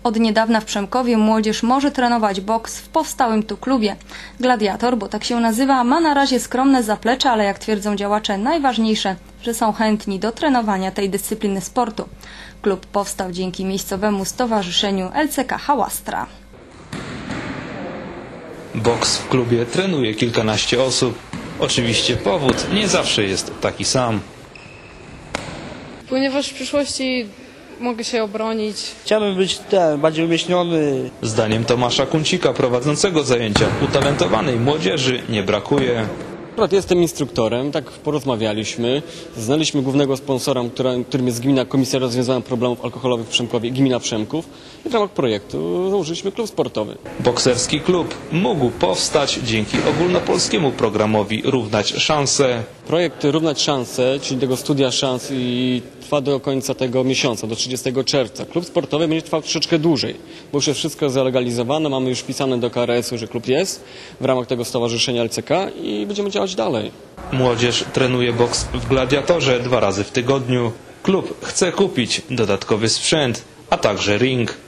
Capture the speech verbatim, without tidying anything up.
Od niedawna w Przemkowie młodzież może trenować boks w powstałym tu klubie. Gladiator, bo tak się nazywa, ma na razie skromne zaplecze, ale jak twierdzą działacze, najważniejsze, że są chętni do trenowania tej dyscypliny sportu. Klub powstał dzięki miejscowemu stowarzyszeniu L C K Hałastra. Boks w klubie trenuje kilkanaście osób. Oczywiście powód nie zawsze jest taki sam. Ponieważ w przyszłości mogę się obronić. Chciałbym być ten, bardziej umieśniony. Zdaniem Tomasza Kuncika, prowadzącego zajęcia, utalentowanej młodzieży nie brakuje. Akurat jestem instruktorem, tak porozmawialiśmy, znaliśmy głównego sponsora, którym jest Gmina Komisja Rozwiązania Problemów Alkoholowych w Przemkowie, Gmina Przemków, i w ramach projektu założyliśmy klub sportowy. Bokserski klub mógł powstać dzięki ogólnopolskiemu programowi Równać Szanse. Projekt Równać Szanse, czyli tego studia szans, i trwa do końca tego miesiąca, do trzydziestego czerwca. Klub sportowy będzie trwał troszeczkę dłużej, bo już jest wszystko zalegalizowane, mamy już wpisane do K R S u, że klub jest w ramach tego stowarzyszenia L C K i będziemy działać dalej. Młodzież trenuje boks w Gladiatorze dwa razy w tygodniu. Klub chce kupić dodatkowy sprzęt, a także ring.